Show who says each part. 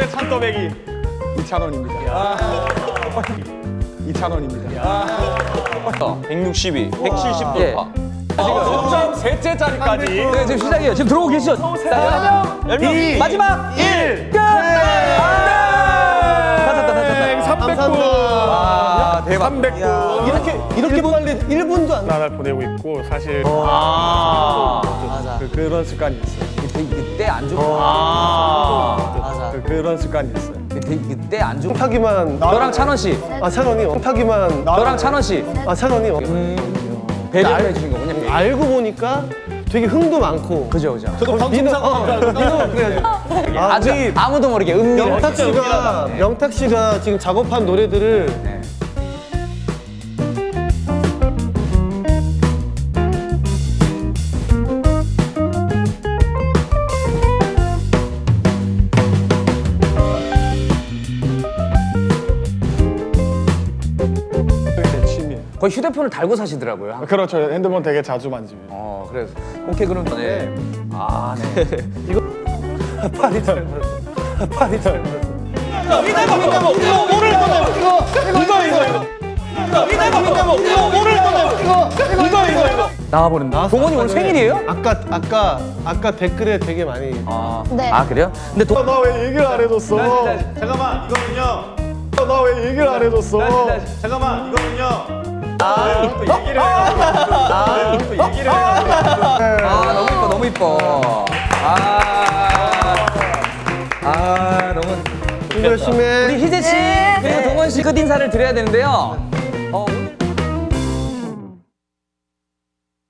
Speaker 1: 찬또배기 2,000원입니다. 2,000원입니다.
Speaker 2: 162, 170
Speaker 3: 예.
Speaker 2: 돌파.
Speaker 1: 점점 셋째 자리까지.
Speaker 3: 네, 지금 시작이에요. 지금 들어오고 계시죠? 자, 10명. 마지막 1. 끝! 다 찼다.
Speaker 1: 300분.
Speaker 3: 아, 대박.
Speaker 1: 300분.
Speaker 4: 이렇게 빨리 1분도 안
Speaker 1: 나날 보내고 있고 사실
Speaker 3: 맞아.
Speaker 1: 그런 습관이 있어요.
Speaker 3: 그때 안 좋고. 맞아.
Speaker 1: 그런 습관이 있어요.
Speaker 3: 그때 안 좋고.
Speaker 4: 타기만
Speaker 3: 너랑 찬원 씨.
Speaker 4: 아 찬원이 타기만
Speaker 3: 너랑 찬원 씨.
Speaker 4: 아 찬원이
Speaker 3: 배려를 해주신 거군요.
Speaker 4: 알고 보니까 되게 흥도 많고
Speaker 3: 그죠, 그죠.
Speaker 4: 민호 그래가지고
Speaker 3: 아주 아무도 모르게 은밀하게.
Speaker 4: 명탁 씨가 지금 작업한 노래들을
Speaker 3: 네.
Speaker 1: 제 취미예요.
Speaker 3: 거의 휴대폰을 달고 사시더라고요.
Speaker 1: 그렇죠. 핸드폰 되게 자주 만집니다.
Speaker 3: 그래서 오케이 그럼 네. 아, 네.
Speaker 4: 팔이 짧아서 팔이 짧아서
Speaker 3: 나와버린다. 동원이 오늘 생일이에요?
Speaker 4: 아까 댓글에 되게 많이
Speaker 5: 네.
Speaker 3: 아, 그래요? 근데
Speaker 1: 나 왜 얘기를 안 해줬어?
Speaker 6: 잠깐만 이거는요.
Speaker 1: 나 왜 얘기를 안 해줬어?
Speaker 6: 잠깐만 이거는요.
Speaker 3: 너무 이뻐. 너무.
Speaker 4: 열심히 해.
Speaker 3: 우리 희재 씨 그리고 동원 씨 끝 인사를 드려야 되는데요.